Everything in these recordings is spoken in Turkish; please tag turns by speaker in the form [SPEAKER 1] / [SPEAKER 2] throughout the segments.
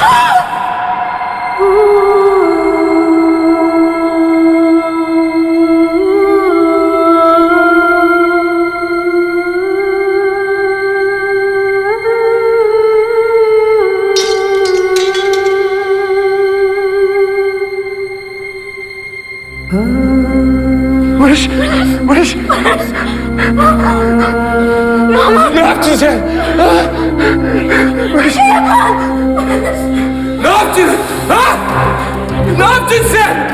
[SPEAKER 1] Barış! Barış! Ne yaptın sen? Barış! Ne yaptın? Ha? Ne yaptın sen?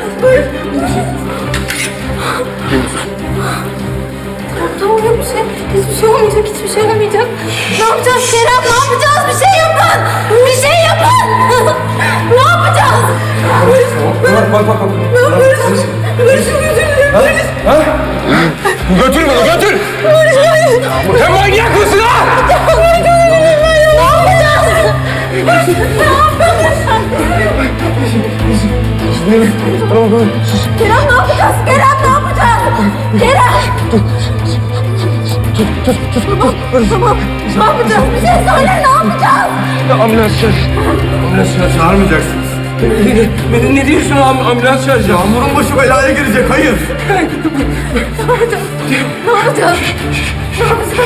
[SPEAKER 2] Tamam yok bir şey. Hiçbir şey olmayacak, hiçbir şey olmayacak. Ne yapacağız Kerem? Ne yapacağız? Bir şey yapın! Bir şey yapın! Ne yapacağız?
[SPEAKER 1] Bak.
[SPEAKER 2] Barış'ın gözünü Barış!
[SPEAKER 1] Götür bunu, götür!
[SPEAKER 2] Barış hayır!
[SPEAKER 1] Sen manyak mısın ha?
[SPEAKER 2] Barış ne yapacağız? Barış ne yapacağız? Kerem ne yapacağız? Kerem ne yapacağız? Kerem! Tamam. Ne yapacağız? Bir şey söyle, ne yapacağız?
[SPEAKER 1] Ambulans çağır. Ambulans çağırmayacaksınız. Ne diyorsun ambulans çağıracağım?
[SPEAKER 3] Yağmur'un başı belaya girecek, hayır.
[SPEAKER 2] Ne yapacağız? Ne yapacağız? Ne yapacağız?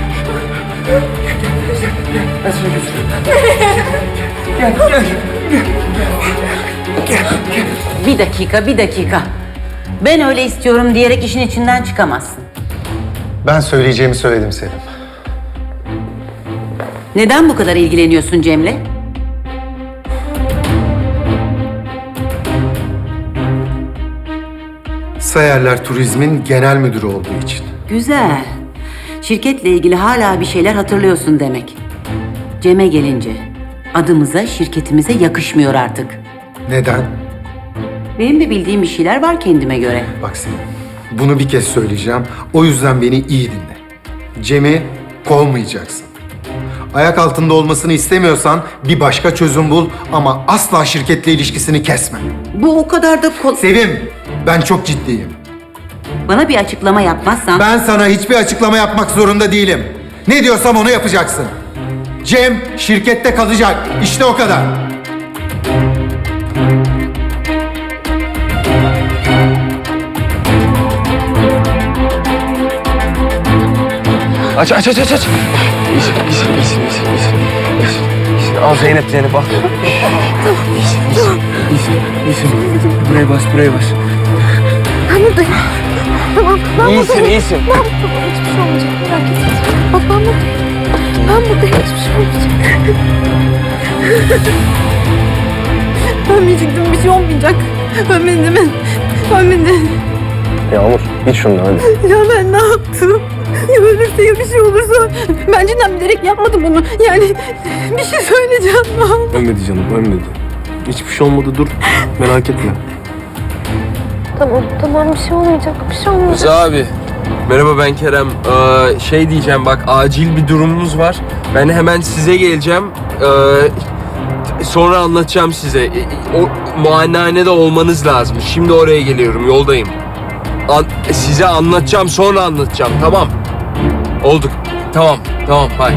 [SPEAKER 1] Ben seni götüreyim. Gel.
[SPEAKER 4] Bir dakika. Ben öyle istiyorum diyerek işin içinden çıkamazsın.
[SPEAKER 3] Ben söyleyeceğimi söyledim Selim.
[SPEAKER 4] Neden bu kadar ilgileniyorsun Cem'le?
[SPEAKER 3] Sayarlar Turizm'in genel müdürü olduğu için.
[SPEAKER 4] Güzel. Şirketle ilgili hala bir şeyler hatırlıyorsun demek. Cem'e gelince adımıza, şirketimize yakışmıyor artık.
[SPEAKER 3] Neden?
[SPEAKER 4] Benim de bildiğim bir şeyler var kendime göre.
[SPEAKER 3] Bak Selim, bunu bir kez söyleyeceğim. O yüzden beni iyi dinle. Cem'i kovmayacaksın. Ayak altında olmasını istemiyorsan bir başka çözüm bul ama asla şirketle ilişkisini kesme.
[SPEAKER 4] Bu o kadar da
[SPEAKER 3] Sevim, ben çok ciddiyim.
[SPEAKER 4] Bana bir açıklama yapmazsan...
[SPEAKER 3] Ben sana hiçbir açıklama yapmak zorunda değilim. Ne diyorsam onu yapacaksın. Cem şirkette kalacak. İşte o kadar.
[SPEAKER 1] Aç. İyisin. Al Zeynep bak. İyisin. Buraya bas.
[SPEAKER 2] Ben buradayım. Tamam, ben buradayım.
[SPEAKER 1] İyisin.
[SPEAKER 2] Ben buradayım. Hiçbir şey olmayacak. Merak etme. Bak ben buradayım. Ben buradayım. Hiçbir şey olmayacak. Ölmeyecektim. Bir şey olmayacak. Ölmedin.
[SPEAKER 1] Yağmur git şundan hadi.
[SPEAKER 2] Ya ben ne yaptım? Ya ölürse ya bir şey olursa. Ben cidden bilerek yapmadım bunu. Yani bir şey söyleyeceğim.
[SPEAKER 1] Ölmedi canım ölmedi. Hiçbir şey olmadı dur. Merak etme.
[SPEAKER 2] Tamam bir şey olmayacak. Bir şey olmayacak.
[SPEAKER 5] Rıza abi. Merhaba ben Kerem. Şey diyeceğim bak acil bir durumumuz var. Ben hemen size geleceğim. Sonra anlatacağım size. O muayenehanede olmanız lazım. Şimdi oraya geliyorum yoldayım. Size anlatacağım sonra anlatacağım tamam. Olduk. Tamam hay.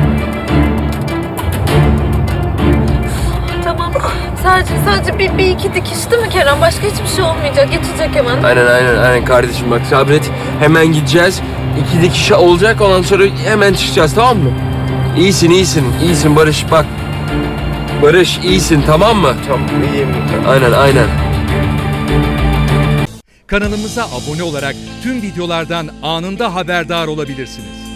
[SPEAKER 2] Tamam. Sadece bir iki dikiş değil mi Kerem? Başka hiçbir şey olmayacak. Geçecek hemen.
[SPEAKER 5] Aynen kardeşim bak sabret. Hemen gideceğiz. 2 dikiş olacak ondan sonra hemen çıkacağız tamam mı? İyisin Barış bak. Barış iyisin tamam mı?
[SPEAKER 1] Tamam iyiyim.
[SPEAKER 5] Aynen.
[SPEAKER 6] Kanalımıza abone olarak tüm videolardan anında haberdar olabilirsiniz.